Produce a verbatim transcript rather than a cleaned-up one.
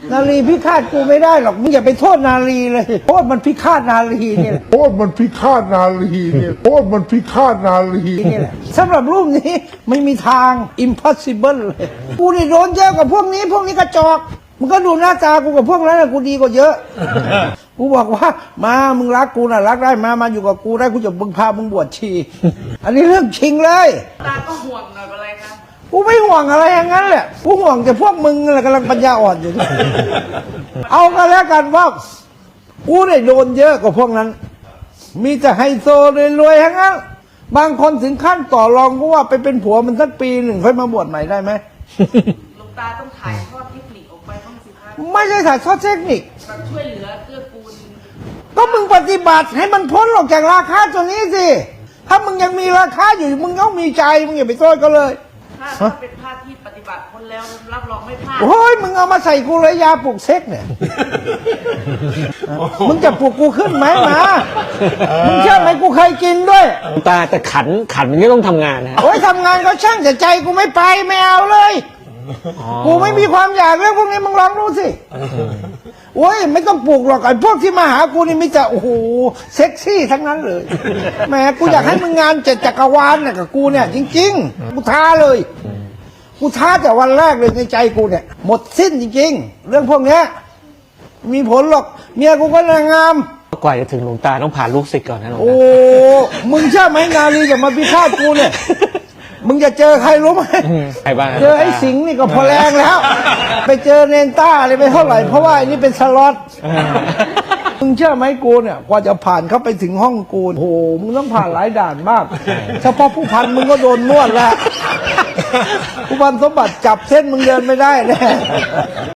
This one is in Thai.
นารีพิฆาตกูไม่ได้หรอกมึงอย่าไปโทษนารีเลยโทษมันพิฆาตนารีเนี่ยโทษมันพิฆาตนารีเนี่ยโทษมันพิฆาตนารีนี่แหละสำหรับรูปนี้ไม่มีทาง impossible เลยกูนี่โดนเยอะกว่าพวกนี้พวกนี้กระจอกมึงก็ดูหน้าตากูกับพวกนั้นกูดีกว่าเยอะกูบอกว่ามามึงรักกูนะรักได้มามาอยู่กับกูได้กูจะบึงพามึงบวชชีอันนี้เรื่องจริงเลยตาก็ห่วงหน่อยอะไรครับกูไม่ห่วงอะไรอย่างนั้นแหละกูห่วงแต่พวกมึงแหละกำลังปัญญาอ่อนอยู่ เอากันแล้วกันว่ากูได้โดนเยอะกว่าพวกนั้นมีแต่ไฮโซรวยๆทั้งนั้นบางคนถึงขั้นต่อรองกูว่าไปเป็นผัวมันสักปีหนึ่งค่อยมาบวชใหม่ได้ไหมหลวงตาต้องถ่ายทอดเทคนิคออกไปบ้างสิครับไม่ใช่ถ่ายทอดเทคนิคแบบช่วยเหลือเกื้อกูลก็มึงปฏิบัติให้มันพ้นออกจากราคาตัวนี้สิถ้ามึงยังมีราคาอยู่มึงต้องมีใจมึงอย่าไปโทษก็เลยถ้าเป็นพระที่ปฏิบัติคนแล้วรับรองไม่พลาดโอ้ยมึงเอามาใส่กูเลยยาปลุกเซ็กเนี่ยมึงจะปลุกกูขึ้นไหมมามึงเชื่อไหมกูเคยกินด้วยตาแต่ขันขันมันก็ต้องทำงานนะโอ้ยทำงานก็ช่างแต่ใจกูไม่ไปไม่เอาเลยกูไม่มีความอยากเรื่องพวกนี้มึงลองดูสิโอ้ยไม่ต้องปลูกหรอกไอ้พวกที่มาหากูนี่มิจะโอ้โหเซ็กซี่ทั้งนั้นเลยแหมกูอยากให้มึงงานเจ็ดจักรวาลเนี่ยกับกูเนี่ยจริงๆกูท้าเลยกูท้าแต่วันแรกเลยในใจกูเนี่ยหมดสิ้นจริงๆเรื่องพวกเนี้ยมีผลหรอกเมียกูก็นางงามกว่าจะถึงหลวงตาต้องผ่านลูกศิษย์ก่อนนะหลวงตาโอ้มึงเชื่อไหมนาลีจะมาพิฆาตกูเนี่ยมึงจะเจอใครรู้ไหมใครบ้างเจอไอ้สิงห์นี่ก็พอแรงแล้วไปเจอเนนต้าอะไรไปเท่าไหร่เพราะว่าอันนี้เป็นสล็อตมึงเชื่อไหมกูเนี่ยกว่าจะผ่านเข้าไปถึงห้องกูโอ้โหมึงต้องผ่านหลายด่านมากเฉพาะผู้พันมึงก็โดนนวดแล้วผู้พันสมบัติจับเส้นมึงเดินไม่ได้แน่